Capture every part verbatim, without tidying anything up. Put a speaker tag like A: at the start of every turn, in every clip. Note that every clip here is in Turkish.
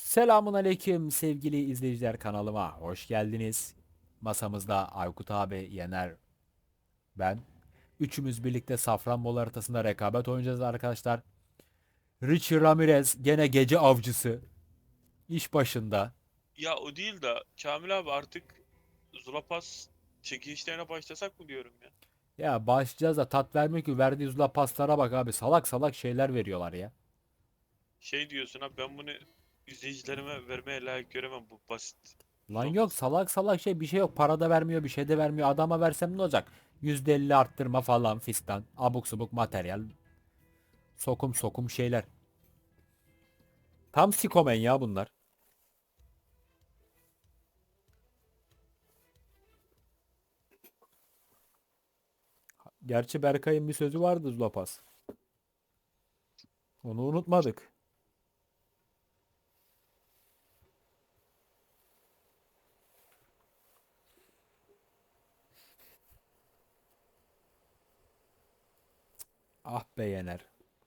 A: Selamun aleyküm sevgili izleyiciler, kanalıma hoş geldiniz. Masamızda Aykut abi, Yener, ben. Üçümüz birlikte Safranbolu haritasında rekabet oynayacağız arkadaşlar. Richie Ramirez gene gece avcısı. İş başında.
B: Ya o değil de Kamil abi artık Zulapas çekilişlerine başlasak mı diyorum ya.
A: Ya başlayacağız da tat vermiyor ki, verdiği zula paslara bak abi. Salak salak şeyler veriyorlar ya.
B: Şey diyorsun ha, ben bunu izleyicilerime vermeye layık göremem, bu basit
A: Lan yok,
B: Zulapası.
A: salak salak şey, bir şey yok. Para da vermiyor, bir şey de vermiyor. Adama versem ne olacak? yüzde elli arttırma falan fistan. Abuk subuk materyal. Sokum sokum şeyler. Tam sikomen ya bunlar. Gerçi Berkay'ın bir sözü vardı Zulapas. Onu unutmadık. Ah be Yener.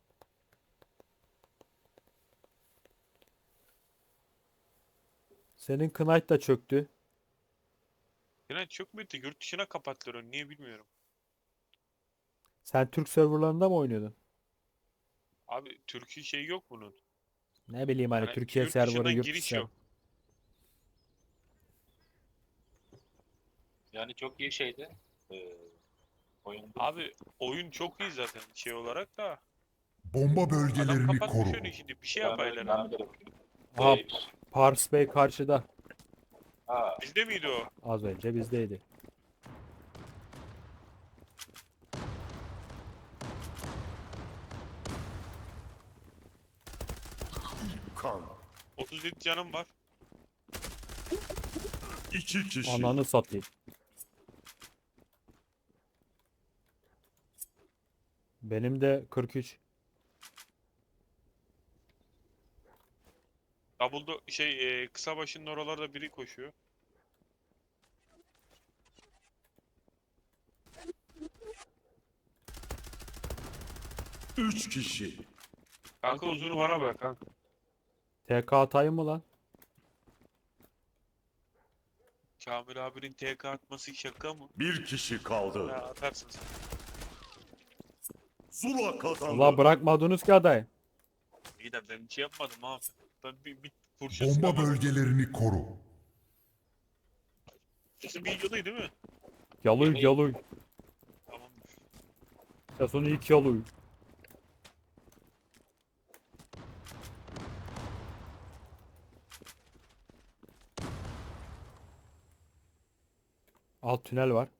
A: Senin Knight da çöktü.
B: Yine çok müydü? Yurt dışına kapattılar onu, niye bilmiyorum.
A: Sen Türk serverlarında mı oynuyordun?
B: Abi Türkiye şey yok bunun.
A: Ne bileyim, hani
B: Yani
A: Türkiye
B: yurt
A: serverı,
B: dışından
A: yurt dışı
B: giriş
A: server.
B: yok.
C: Yani çok iyi şeydi. Ee, oyundu.
B: Abi oyun çok iyi zaten şey olarak da.
D: Bomba
B: Adam
D: bölgelerini
B: kapatmış
D: koru.
B: onu, şimdi bir şey
C: Ben,
B: yapaylar ha.
C: ben de
A: Aha,
C: Ee,
A: Pars Bey karşıda.
C: ha,
B: Bizde miydi o?
A: Az önce bizdeydi.
D: Kan.
B: otuz yedi canım var.
D: İki kişi.
A: Ananı satayım. Benim de kırk üç.
B: Double'da şey e, kısa başının oralarda biri koşuyor.
D: Üç kişi.
B: Kanka uzunu bana bırak kanka.
A: T K atayım mı lan?
B: Kamil abinin T K atması şaka mı?
D: Bir kişi
B: Ya
D: kaldı.
B: atarsın sen.
D: Zula kazandı.
A: Ula bırakmadınız ki adayı.
B: İyi de ben bir şey yapmadım abi. Ben bir, bir kurşun
D: Bomba
B: sıkamadım.
D: bölgelerini koru.
B: Sesim iyi geliyor değil mi?
A: Yaluy yaluy.
B: Tamamdır.
A: Sesini ilk yaluy. Alt tünel var.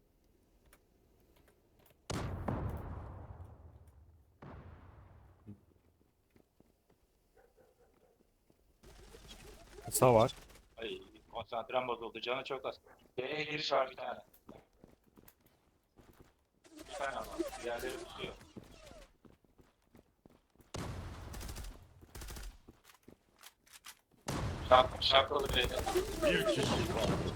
A: Kısa var.
C: ay, konsantrem bozuldu. Canı çok az. B'ye giriş var bir tane. Bir tane ama. Diğerleri tutuyor. Şak, şakralı B'de.
D: Bir kişi kaldı.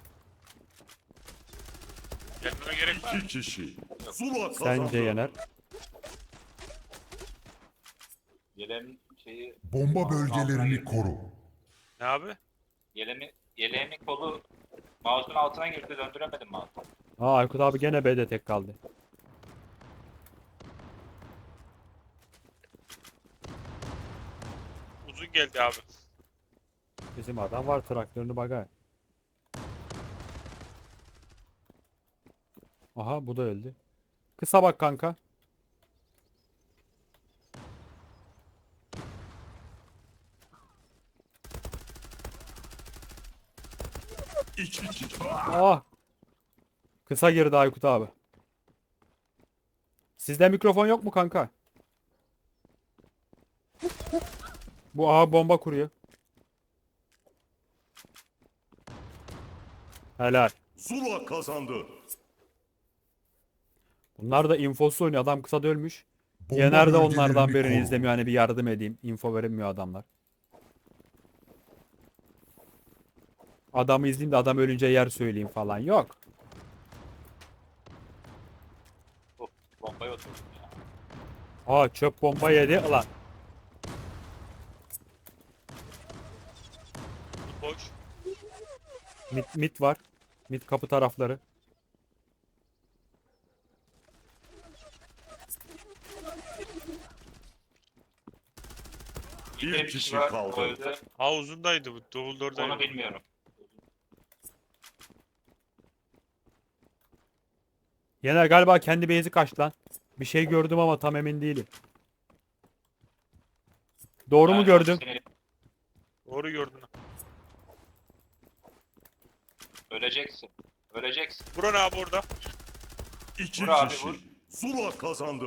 B: Gelmeme gerek var.
D: İki kişi. Zula kazandı.
A: Sence Yener?
C: Yeleğimin şeyi...
D: Bomba
C: altına
D: bölgelerini
C: girdi.
D: koru.
B: Ne abi?
C: Yeleğimi, yeleğimin kolu mouse'un altına girdi. Döndüremedim mouse'u.
A: Aa, Aykut abi gene B'de tek kaldı.
B: Uzun geldi abi.
A: Bizim adam var, traktörünü bagaj. Aha, bu da öldü. Kısa bak kanka.
D: İki kişi.
A: Ah. Kısa girdi Aykut abi. Sizde mikrofon yok mu kanka? Bu aha bomba kuruyor. Helal.
D: Zula kazandı.
A: Bunlar da infosuz oynuyor. Adam kısa ölmüş.
D: Bomba
A: Yener de
D: bölgelerini
A: onlardan birini
D: koru.
A: izlemiyor. Hani bir yardım edeyim. Info verilmiyor adamlar. Adamı izleyeyim de adam ölünce yer söyleyeyim falan. Yok.
C: Hop, bombaya oturdum ya.
A: Aa, çöp bomba yedi. Ulan.
B: Boş.
A: Mid, mid var. Mid kapı tarafları.
C: Bir,
D: Bir
C: de
D: kişi
C: var,
D: kaldı.
C: öldü.
B: Ha uzundaydı bu.
C: Onu
B: Dumbledore'daydı.
C: bilmiyorum.
A: Yener galiba kendi base'i kaçtı lan. Bir şey gördüm ama tam emin değilim. Doğru mu
C: Yani
A: gördüm?
C: seni-
B: Doğru gördün.
C: Öleceksin. Öleceksin.
B: Buran abi orada.
D: İki
C: Vur abi,
D: kişi.
C: vur.
D: Zula kazandı.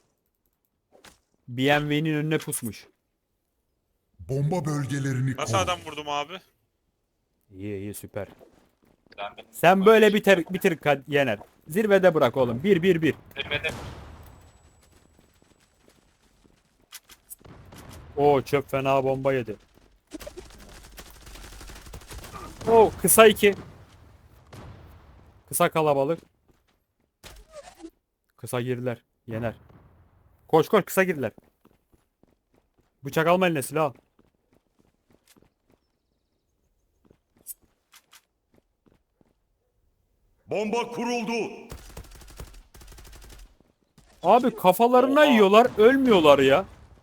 A: B M W'nin önüne pusmuş.
E: Bomba bölgelerini
B: Nasıl
E: koru.
B: adam vurdum abi?
A: İyi iyi süper.
C: Sen, benim-
A: Sen böyle bitir bitir Kad- Yener. Zirvede bırak oğlum. Bir bir bir.
C: Zirvede
A: Oo çöp fena bomba yedi. Oo kısa iki. Kısa kalabalık. Kısa girdiler. Yener. Koş koş kısa girdiler. Bıçak alma eline silah al.
D: Bomba kuruldu.
A: Abi kafalarına
B: Oha.
A: yiyorlar. Ölmüyorlar ya.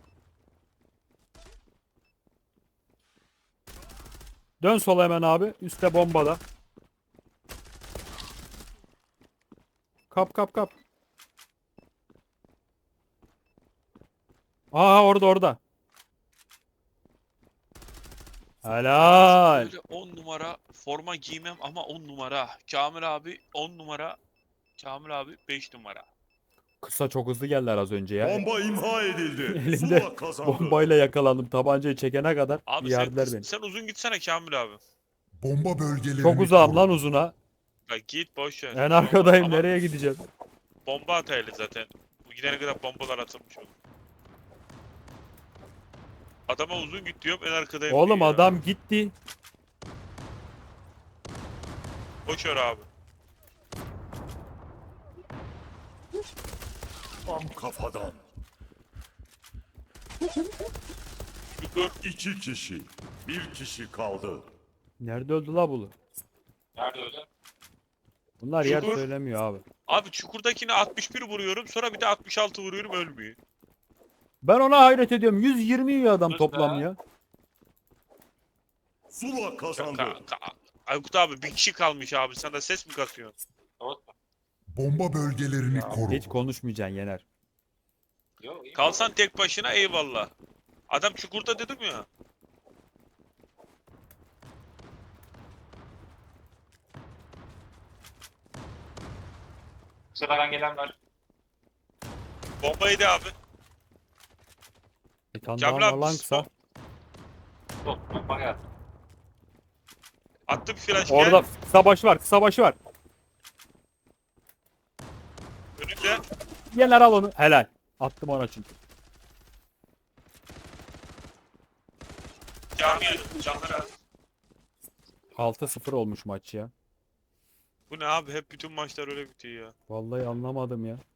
A: Dön sola hemen abi. Üste bombada. Kap kap kap. Aa orada orada. Helal.
B: Böyle on numara forma giymem ama on numara. Kamil abi on numara. Kamil abi beş numara.
A: Kısa çok hızlı geldiler az önce ya.
D: Bomba imha edildi.
A: Elimde
D: Zula kazandı.
A: bombayla yakalandım. Tabancayı çekene kadar
B: Abi
A: yerdiler
B: sen,
A: beni.
B: sen uzun gitsene Kamil abi.
E: Bomba bölgelerini
A: Çok uzağım
E: koru.
A: lan uzuna.
B: Ya git boş ver.
A: En arkadayım.
B: Ama
A: Nereye gideceğim?
B: bomba ataylı zaten. Bu gidene kadar bombalar atılmış olur. Adama uzun git diyorum en arkadayım
A: Oğlum
B: diyor ya.
A: adam gitti.
B: Boş ver abi.
D: Tam kafadan.
B: Dur.
D: İki kişi. Bir kişi kaldı.
A: Nerede öldü la bu?
C: nerede öldü?
A: Bunlar yer
B: Çukur.
A: söylemiyor abi.
B: Abi çukurdakine altmış bir vuruyorum sonra bir de altmış altı vuruyorum ölmüyor.
A: Ben ona hayret ediyorum. yüz yirmi yiyor adam
C: Sus
A: toplam
C: be.
A: ya.
D: Zula kazandı.
B: Ka- ka- Aykut abi bir kişi kalmış abi sen de ses mi kasıyorsun?
C: Doğru.
E: Bomba bölgelerini koru.
A: Hiç konuşmayacaksın Yener.
C: Yok, iyi.
B: Kalsan tek başına eyvallah. Adam çukurda dedim ya.
C: Sıradan gelen var.
B: Bombaydı abi.
A: Bir tane
B: Kamil
A: daha
B: abi
A: var lan kısa.
C: Dur, bomba geldi.
B: Attı bir flash
A: Orada
B: gel.
A: kısa başı var. Kısa başı var.
B: Önünde.
A: Yener al onu. Helal. Attım ona çünkü.
B: Cami canlara.
A: altı sıfır olmuş maç ya.
B: Bu ne abi hep bütün maçlar öyle bitiyor ya.
A: Vallahi anlamadım ya.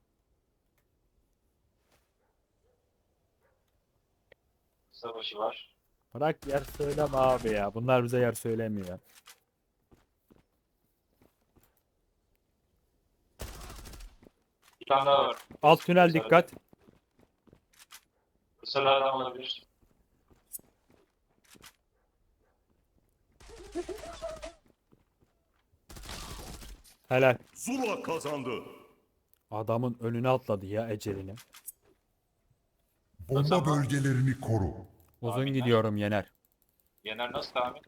C: Savaşı var.
A: Bırak yer söyleme abi ya. Bunlar bize yer söylemiyor ya.
C: Bir tane daha var.
A: Alt tünel dikkat.
C: Sıradan olabilir.
A: Helal.
D: Zula kazandı.
A: Adamın önüne atladı ya ecelini.
E: Bomba
C: Tamam.
E: bölgelerini koru.
A: Uzun
C: Tahminler.
A: gidiyorum Yener.
C: Yener nasıl tahmin?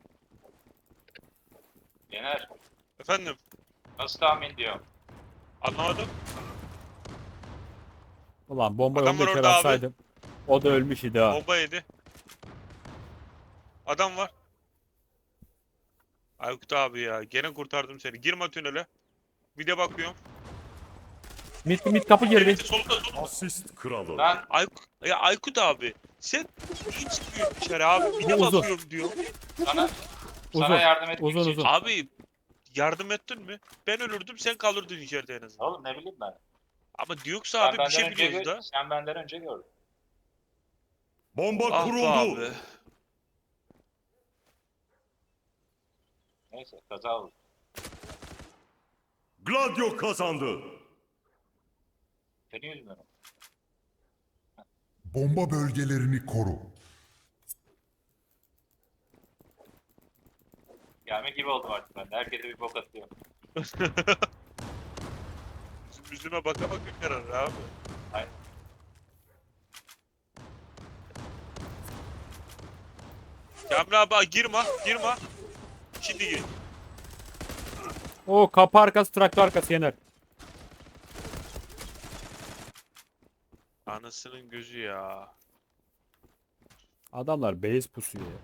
C: Yener
B: Efendim
C: nasıl tahmin diyor.
B: anlamadım.
A: Ulan bombayı
B: Adam
A: onu da
B: var
A: kere
B: orada abi.
A: atsaydım. O da ölmüş idi ha.
B: Bomba yedi. Adam var. Aykut abi ya gene kurtardım seni. Girme tünele. Bir de bakıyorum.
A: Mid, mid kapı girdi.
B: Evet, solda solda.
D: Asist kralı.
C: Ben
B: Aykut, ya Aykut abi sen niye çıkıyorsun dışarı abi? Bir de
A: Bu uzun.
B: bakıyorum diyor.
C: sana
A: Uzun.
C: sana yardım etmek
A: Uzun,
C: için.
A: uzun.
B: Abi yardım ettin mi? Ben ölürdüm sen kalırdın içeride en azından.
C: Oğlum ne bileyim ben.
B: Ama diyorsa
C: Sen
B: abi bir
C: benden
B: şey
C: önce
B: biliyoruz
C: gör-
B: da.
C: Sen benden önce gördün.
D: Bomba
B: Ah be
D: kuruldu.
B: abi.
C: Neyse kaza oldu.
D: Gladio kazandı.
C: Seni üzmüyorum.
E: Bomba bölgelerini koru.
C: Gelme gibi oldum artık ben de. Herkese bir bok atıyor.
B: Bizim yüzüne baka baka karar abi.
C: Aynen.
B: Kamil abi girme, girme. Şimdi gir.
A: O kapı arkası traktör arkası Yener.
B: Anasının gözü ya.
A: Adamlar base pusuyor ya.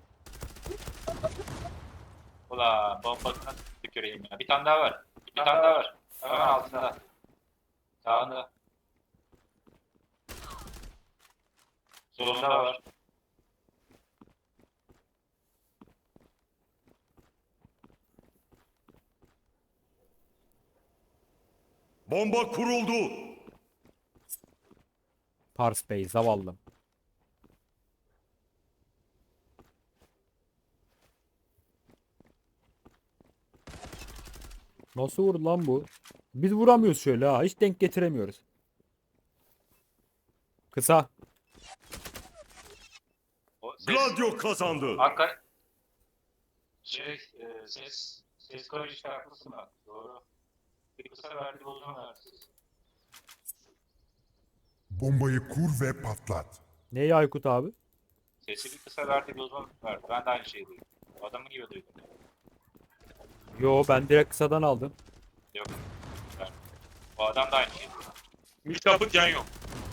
C: Ulan bombasına tüküreyim ya. Bir tane daha var. Bir tane daha var. Hemen altında. Sağında. Solunda var.
D: Bomba kuruldu.
A: Pars Bey zavallım. Nasıl vurdu lan bu? Biz vuramıyoruz şöyle ha. Hiç denk getiremiyoruz. Kısa.
C: O ses,
D: Gladio kazandı.
C: Hakkari. Şey, e, ses, ses karıştı haklısın bak. Doğru. Bir kısa verdi uzun verdi.
E: Bombayı kur ve patlat.
A: Neyi Aykut abi?
C: Sesi bir kısa verdi bir uzun verdi. Ben de aynı şeyi duydum. Adamın gibi duydum.
A: Yo ben direkt kısadan aldım.
C: Yok. Ben, o adam da aynı şeyi duydum.
B: Mid kapı can yok.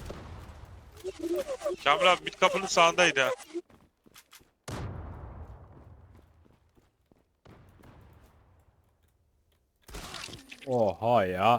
B: Kamil abi mid kapının sağındaydı ha.
A: Oha ya.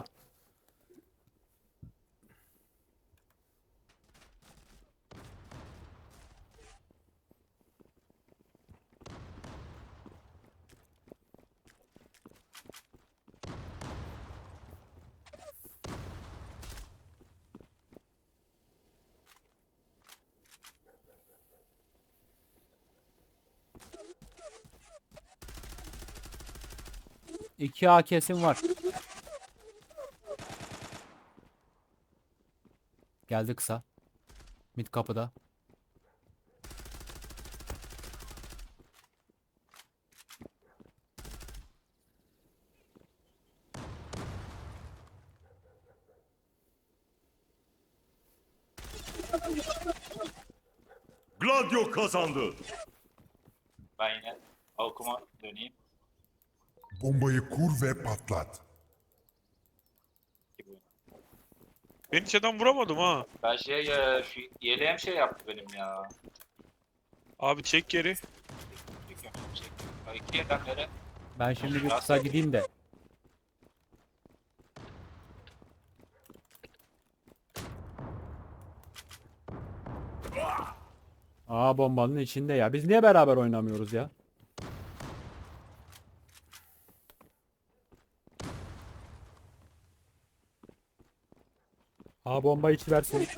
A: İki A kesim var. Geldi kısa. Mid kapıda.
D: Gladio kazandı.
C: Ben yine Alkum'a döneyim.
E: Bombayı kur ve patlat.
B: Ben hiç adam vuramadım ha.
C: Ben şey ya, şu yeleğim şey yaptı benim ya.
B: Abi çek geri.
C: Çekiyorum, çekiyorum. Ya İki yerden beri
A: Ben şimdi bir kısa gideyim de. Aa bombanın içinde ya. Biz niye beraber oynamıyoruz ya? Aa bomba içi versin.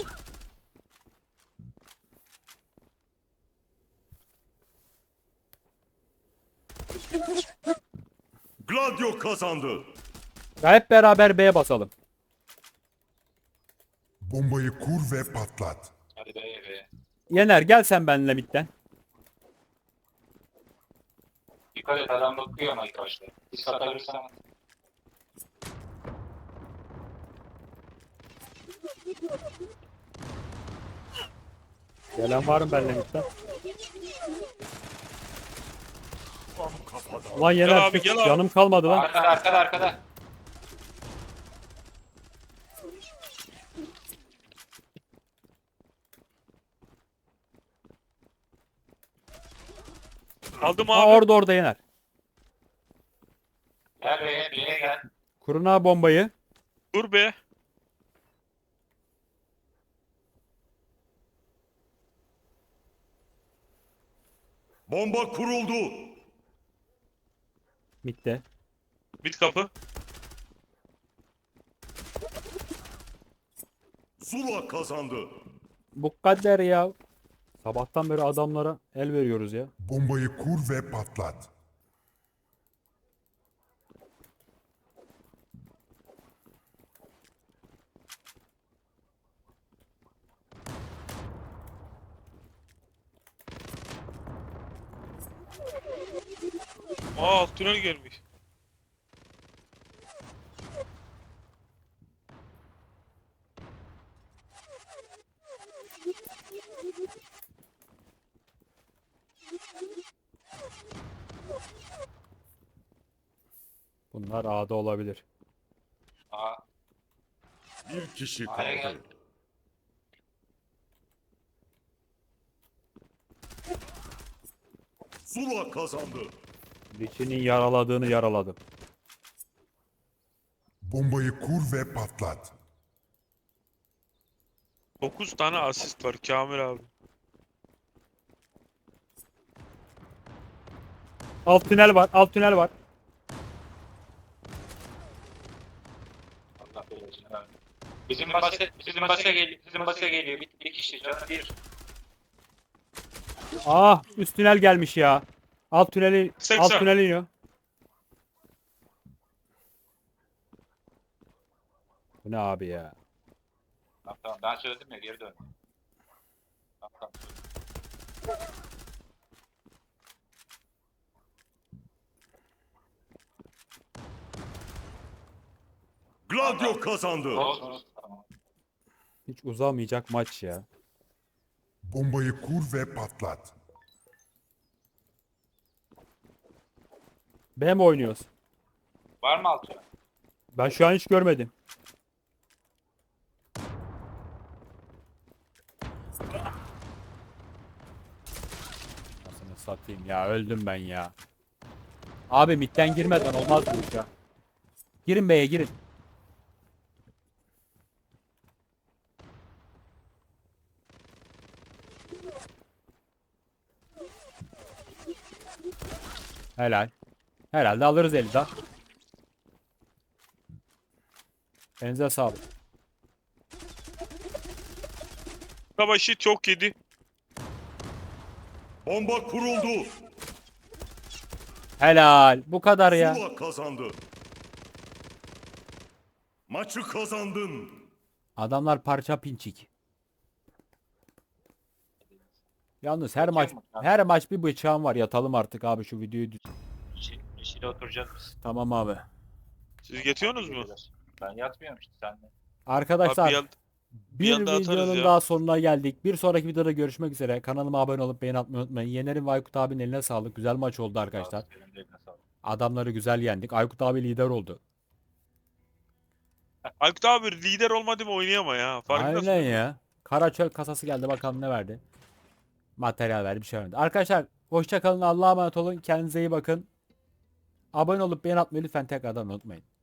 D: Gladio kazandı.
A: Ya hep beraber B'ye basalım.
E: Bombayı kur ve patlat.
C: hadi be be.
A: Yener gel sen benimle midden.
C: Dikkat et adam bakıyor ama ilk başta. Bir satabilirsen.
A: Gelen var mı benimle midden?
D: Tam kafadan.
A: Ulan Yener
B: Gel abi,
A: çık,
B: gel abi.
A: canım kalmadı lan.
C: Arkada arkada arkada.
B: Aldım
A: Aa
B: abi.
A: orada orada Yener.
C: Gel be B'ye gel.
A: Kurun abi bombayı.
B: Dur be.
D: Bomba kuruldu.
A: Midde.
B: Mid kapı.
D: Zula kazandı.
A: Bu kadar ya. Sabahtan beri adamlara el veriyoruz ya.
E: Bombayı kur ve patlat.
B: Aa alt tünel gelmiş.
A: Bunlar A'da olabilir.
C: Aa,
D: Bir kişi
C: A'ya gel.
D: kaldı. Zula kazandı.
A: Lich'inin yaraladığını yaraladım.
E: Bombayı kur ve patlat.
B: dokuz tane asist var Kamil abi.
A: Alt tünel var, alt tünel var.
C: Allah belasını versin. Bizim başa, bizim başa geliyor. Bizim başa geliyor. Bir, bir kişi canı bir.
A: Ah, üst tünel gelmiş ya. Alt tüneli,
B: seksen.
A: alt tüneli iniyor. Bu ne abi ya?
C: Tamam tamam ben söyledim ya geri dön. Tamam tamam.
D: Gladio kazandı.
C: Olsun olsun tamam.
A: Hiç uzamayacak maç ya.
E: Bombayı kur ve patlat.
A: B mi oynuyoruz?
C: Var mı altı?
A: Ben şu an hiç görmedim. Nasıl satayım ya, öldüm ben ya. Abi midden girmeden olmaz bu iş ya. Girin B'ye girin. Helal. Herhalde alırız Elida. Elinize sağlık.
B: Savaşı çok yedi.
D: Bomba kuruldu.
A: Helal. Bu kadar ya.
D: Zula kazandı. Maçı kazandın.
A: Adamlar parça pinçik. Yalnız her maç her maç bir bıçağım var. Yatalım artık abi, şu videoyu. düz-
C: Yeşil, yeşile oturacağız biz.
A: Tamam abi.
B: Siz yatıyorsunuz mu?
C: Ben yatmıyorum işte sen de.
A: Arkadaşlar
B: Abi bir yan-
A: bir
B: yanda atarız
A: videonun
B: ya.
A: daha sonuna geldik. Bir sonraki videoda görüşmek üzere. Kanalıma abone olup beğeni atmayı unutmayın. Yener'in ve Aykut abinin eline sağlık. Güzel maç oldu arkadaşlar.
C: Benim de eline sağlık.
A: Adamları güzel yendik. Aykut abi lider oldu.
B: Aykut abi lider olmadı mı oynayama ya. Farkındasın
A: Aynen
B: değil mi?
A: ya. Karaçöl kasası geldi, bakalım ne verdi. Materyal verdi, bir şey verdi. Arkadaşlar hoşça kalın. Allah'a emanet olun. Kendinize iyi bakın. Abone olup beğeni atmayı lütfen tekrardan unutmayın.